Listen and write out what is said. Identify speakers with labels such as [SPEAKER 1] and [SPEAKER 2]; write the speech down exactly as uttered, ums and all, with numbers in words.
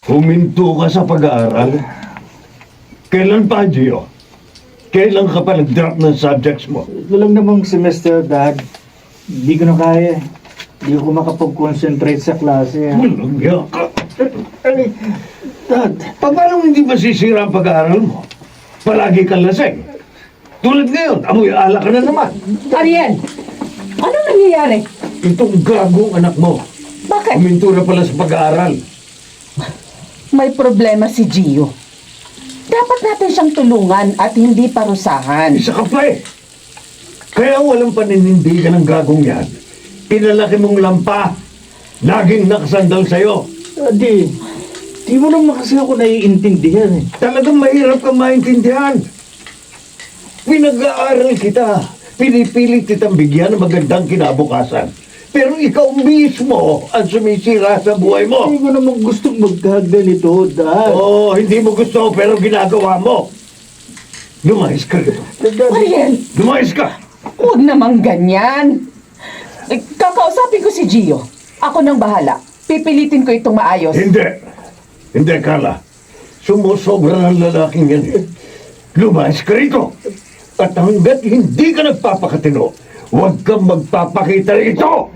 [SPEAKER 1] Huminto ka sa pag-aaral? Kailan pa, Gio? Kailan ka pa nag-drop ng subjects mo?
[SPEAKER 2] Ito lang namang semester, Dad. Hindi ko na kaya. Hindi ko makapag-concentrate sa klase.
[SPEAKER 1] Malagya ka.
[SPEAKER 2] Ay, Dad.
[SPEAKER 1] Pa- Paano hindi masisira ang pag-aaral mo? Palagi kang lasing. Tulad ngayon, amoy ala ka na naman.
[SPEAKER 3] Ariel! Ano nangyayari?
[SPEAKER 1] Itong gagong anak mo.
[SPEAKER 3] Bakit?
[SPEAKER 1] Huminto na pala sa pag-aaral.
[SPEAKER 3] May problema si Gio. Dapat natin siyang tulungan at hindi parusahan.
[SPEAKER 1] Isa ka pa eh. Kaya walang paninindigan ng gagong yan. Pinalaki mong lampa. Laging nakasandal sa'yo.
[SPEAKER 2] Daddy, di mo naman kasi ako naiintindihan eh.
[SPEAKER 1] Talagang mahirap kang maintindihan. Pinag-aaral kita. Pinipilit kitang bigyan ng magandang kinabukasan. Pero ikaw mismo ang sumisira sa buhay mo.
[SPEAKER 2] Hindi ko naman gustong magkaganito, Dad.
[SPEAKER 1] Oo, oh, hindi mo gusto pero ginagawa mo. Lumayas ka rito.
[SPEAKER 2] Daddy,
[SPEAKER 3] Ariel!
[SPEAKER 1] Lumayas ka!
[SPEAKER 3] Huwag namang ganyan. Eh, Kakausapin ko si Gio. Ako nang bahala. Pipilitin ko itong maayos.
[SPEAKER 1] Hindi. Hindi, Carla. Sumusobra ng lalaking yan eh. Lumayas ka rito. At hanggat hindi ka nagpapakatino, huwag kang magpapakita rito!